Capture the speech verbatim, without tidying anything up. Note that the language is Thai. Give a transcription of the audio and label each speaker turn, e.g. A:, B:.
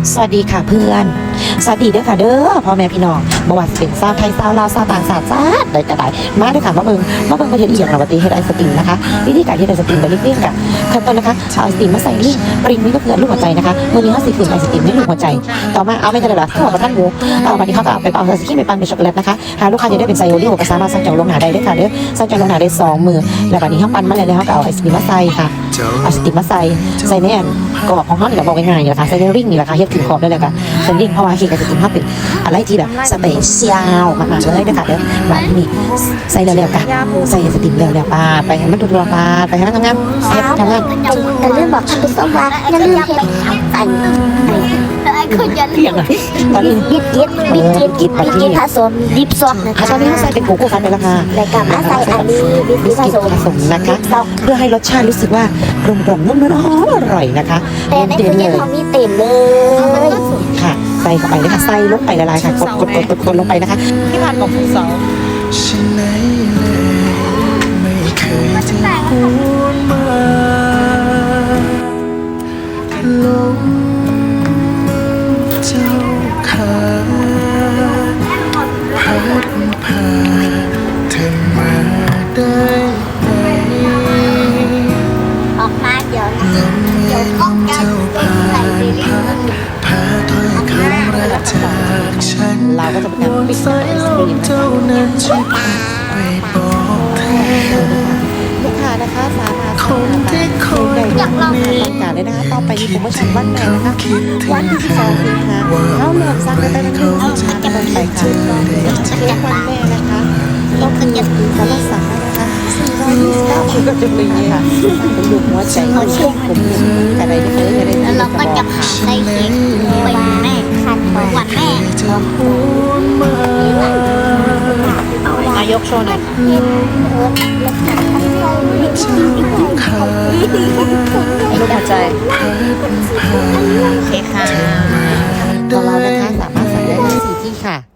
A: สวัสดีค่ะเพื่อนสวัสดีเด้อค่ะเด้อพ่อแม่พี่น้องบ่ว่าสิเป็นชาวไทยชาวลาวชาวต่างชาติจ้าใดก็ได้มาเด้อค่ะมาเบิ่งมาเบิ่งประเทศอีหยังเราปฏิเฮ็ดไอศกรีมนะคะวิธีการเฮ็ดไอศกรีมแบบรีบๆกับขั้นตอนนะคะเอาไอศกรีมมาใส่ลิ้นปริงนี่ก็คือลูกหัวใจนะคะมื้อนี้เฮาสิขึ้นไอศกรีมให้ลูกหัวใจต่อมาเอาไม่ทันได้ละทั่วประทันหมูเอาบัดนี้เฮาก็เอาไปเอาไอศกรีมไปปั่นเป็นช็อกโกแลตนะคะหาลูกค้าจะได้เป็นไซโอริโอก็สามารถสั่งจองล่วงหน้าได้เด้อค่ะเด้อสั่งจองล่วงหน้าได้สองมื้อแล้วบัดนี้เฮาปั่นมาแล้วเฮาก็เอาไอศกรีมมาใส่ค่ะเอาไอศกรีมมาใส่ใส่ในอันกรอบของเฮานี่แหละบอกง่ายๆนี่แหละค่ะใส่ในริงนี่แหละค่ะเฮ็ดถึงขอบได้เลยค่ะใส่ริงเพราะว่าเค้กไอศกรีมเฮาเป็นอะไรที่แบบสเปเชียลมากๆเลยนะคะเดี๋ยวแบบนี้ใส่เร็วๆกันใส่สติมเร็วๆปาไปให้มันรัวๆปาไปให้มันทำงานเฮ็ดทำงาน
B: แต่เรื่องบอกท่านผู้ชมว่าอย่าลืมเฮ็ดอันคืออย่าลื
A: เพียง
B: ม
A: อ่ะตอนนี้
B: บิดกิดบิดกิดบิดกิดผสมดิบซอกนะ
A: อ่ะ
B: คะ
A: ตอนนี้เราใส่เป็นโกโก้คันไปแล้วค่ะ
B: แล้วก็มาใส่อันนี้บิด
A: บิ
B: กิ
A: ส
B: ดผ
A: กิต
B: สม
A: ผสมนะคะเพื่อให้รสชาติรู้สึกว่ากลมกล่อมนุ่มๆอร่อยนะคะ
B: แต่ใน
A: เด่
B: ตู้
A: นเล
B: เย็น
A: ย
B: เขามีเต็มเลย
A: ค่ะใส่เข้าไปเลยค่ะใส่ลงไปละลายค่ะกดกดกดกดกดลงไปนะคะที่ผ่านของคุณสาว
C: ฉันไหนเลยไม่เคยจะพูดมาลงเจ้าขาพัดพาเธอมาได้ไหม
B: ออกมาเดี๋ยว
C: ลมเย็นเจ้าพาพัดพาถ้อยคำรักจากฉัน
A: เราก็จะเป็นการปิด
C: สายลมเจ้านั้นช่วยพัดไปบอกเธอ
A: ลูกค้านะคะสามารถ
C: คนที่คอย
A: อยากลองต้องการเลยนะคะต่อไปนี้ผมก็ฉันวันแม่นะคะวันที่สองสิงหาเขาเริ่มสร้างได้เป็นหนึ่งสามเป็นไปค่ะเป็นวันแม่นะคะต้องคือสามารถสั่งได้นะคะสี่ร้อยยี่สิบเก้าบาทก็จะเป็นค่ะเป็นลูกหัวใจหัวใจผมอะไรได้เลยอะไรได้
B: แล้วเราก็จะผ่าใส่เค้กไปแม่คันวันแม่
C: จะพูดมาน
A: ายกโชว์หน่อย
C: ขา
A: ลูกหัวใจโอเคค่ะตัวเรานะคะสามารถสั่งได้ที่สี่ที่ค่ะ